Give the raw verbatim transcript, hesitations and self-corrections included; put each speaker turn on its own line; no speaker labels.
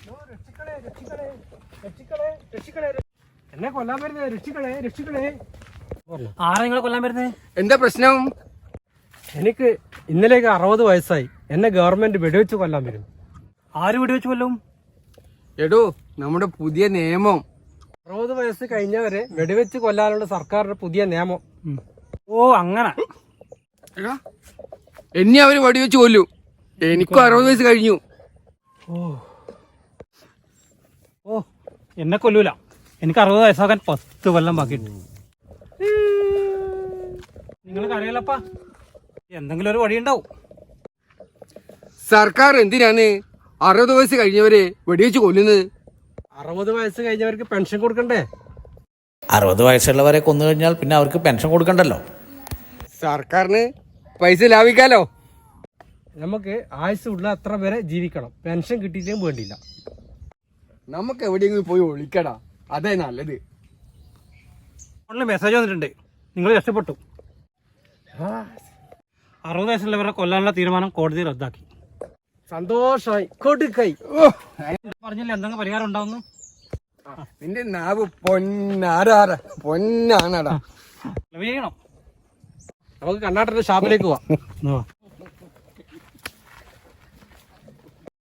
എന്നെ കൊല്ലാൻ വരുന്നത് രക്ഷിക്കണേ രക്ഷിക്കണേ.
ആരാ നിങ്ങളെ കൊല്ലാൻ വരുന്നത്?
എന്താ പ്രശ്നം?
എനിക്ക് ഇന്നലേക്ക് അറുപത് വയസ്സായി. എന്നെ ഗവൺമെന്റ് വെടിവെച്ച് കൊല്ലാൻ വരും.
ആര് വെടിവെച്ച് കൊല്ലും?
എടോ, നമ്മുടെ പുതിയ നിയമം.
അറുപത് വയസ്സ് കഴിഞ്ഞവരെ വെടിവെച്ച് കൊല്ലാനുള്ള സർക്കാരിന്റെ പുതിയ നിയമം.
ഓ അങ്ങനെ.
എടാ, എന്നെ അവര് വെടിവെച്ച് കൊല്ലും. എനിക്കും അറുപത് വയസ്സ് കഴിഞ്ഞു.
ഓ ഓ എന്നെ കൊല്ലൂല. എനിക്ക് അറുപത് വയസ്സാകാൻ പത്ത് കൊല്ലം ബാക്കിയിട്ട്. നിങ്ങൾക്ക് അറിയാലപ്പാ, എന്തെങ്കിലും ഒരു വഴിയുണ്ടാവും.
സർക്കാർ എന്തിനാണ് അറുപത് വയസ്സ് കഴിഞ്ഞവരെ വെടിവെച്ച് കൊല്ലുന്നത്?
അറുപത് വയസ്സ് കഴിഞ്ഞവർക്ക് പെൻഷൻ കൊടുക്കണ്ടേ?
അറുപത് വയസ്സുള്ളവരെ കൊന്നു കഴിഞ്ഞാൽ പിന്നെ അവർക്ക് പെൻഷൻ കൊടുക്കണ്ടല്ലോ.
സർക്കാരിന് പൈസ ലാഭിക്കാലോ.
നമുക്ക് ആയുസ് ഉള്ള അത്ര വരെ ജീവിക്കണം. പെൻഷൻ കിട്ടിയില്ലെങ്കിൽ വേണ്ടില്ല.
നമുക്ക് എവിടെയെങ്കിലും പോയി ഒളിക്കടാ, അതേ നല്ലത്.
ഫോണിൽ മെസ്സേജ് വന്നിട്ടുണ്ട്, നിങ്ങൾ രക്ഷപ്പെട്ടു. അറുപത് വയസ്സുള്ളവരെ കൊല്ലാനുള്ള തീരുമാനം കോടതി റദ്ദാക്കി.
സന്തോഷമായി. കൊടുക്കൈ.
പറഞ്ഞില്ല എന്തെങ്കിലും പരിഹാരം ഉണ്ടാവുന്നു.
നിന്റെ നാവ് പൊന്നാരാറ പൊന്നാണടാ.
ചെയ്യണം.
നമുക്ക് കണ്ണാട്ടന്റെ ഷാപ്പിലേക്ക് പോവാം.